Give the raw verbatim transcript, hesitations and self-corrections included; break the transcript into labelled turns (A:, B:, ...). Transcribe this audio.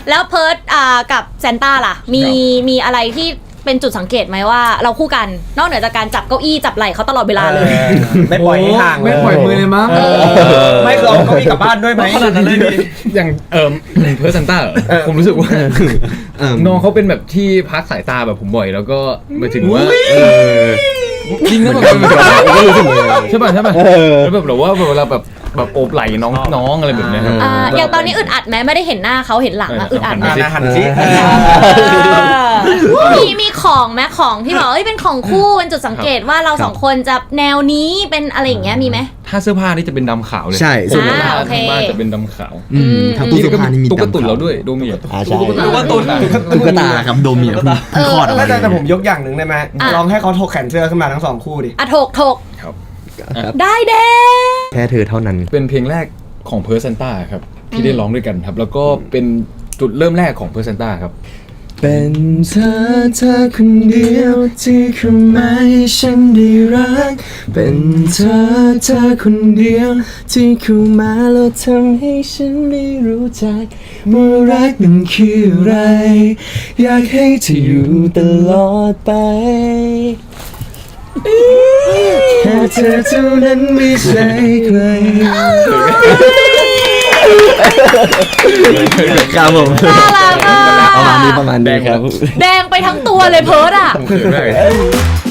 A: แล้วเพิร์ดอ่ากับแซนต้าล่ะมีมีอะไรที่เป็นจุดสังเกตไหมว่าเราคู่กันนอกเหนือจากการจับเก้าอี้จับไหล่เขาตลอดเวลาเลย
B: ไม่ปล่อยให้ห่าง
C: ไม่ปล่อยมือเลยมั้ง
B: ไม่คือเอาเก้าอี้กลับบ้านด้วยไหม
C: ขนาดนั้นเลยอย่างเอิมเพิร์ดซันต้าผมรู้สึกว่าน้องเขาเป็นแบบที่พักสายตาแบบผมบ่อยแล้วก็หมายถึงว่าจริงนะมันเป็นแบบก็รู้สึกเลยใช่ป่ะใช่ป่ะแล้วแบบเราว่าเวลาแบบแบบโอบไหล่น้องน้องอะไรแบบนี้ครับ
A: อย่างตอนนี้อึดอัดไหมไม่ได้เห็นหน้าเขาเห็นหลังอะอึดอัดไหม
B: หันสิ
A: มีมีของไหมของที่บอกเอ้ยเป็นของคู่เป็นจุดสังเกตว่าเราสองคนจะแนวนี้เป็นอะไรอย่างเงี้ยมีไหม
C: ถ้าเสื้อผ้านี่จะเป็นดำขาวเลย
D: ใช่
C: เสื้อผ้าทั้งบ้านจะเป็นดำขาว
D: ทั้งตู้เสื้อผ้านี่มี
C: ตุ๊กตุ่นเราด้วยโดเมีย
D: ตุ๊กตาตุ๊กตาครับโดเมียคือคลอดออกมา
B: แต่ผมยกอย่างหนึ่งได้ไหมลองให้เขาถกแขนเสื้อขึ้นมาทั้งสองคู่ดิ
A: อ่ะถกถกได้เด้
D: แค่เธอเท่านั้น
C: เป็นเพลงแรกของเพอร์เซนต้าครับที่ได้ร้องด้วยกันครับแล้วก็เป็นจุดเริ่มแรกของเพอร์เซนต้าครับ
D: เป็นเธอเธอคนเดียวที่เข้ามาให้ฉันได้รักเป็นเธอเธอคนเดียวที่เข้ามาแล้วทำให้ฉันได้รู้จักว่ารักมันคืออะไรอยากให้เธออยู่ตลอดไปแค่เธอเท่านั้นไม่ใช่ใครครับผมประมาณนี้ประมาณนี้ครับ
A: แดงไปทั้งตัวเลยเพิร์ดอ่ะ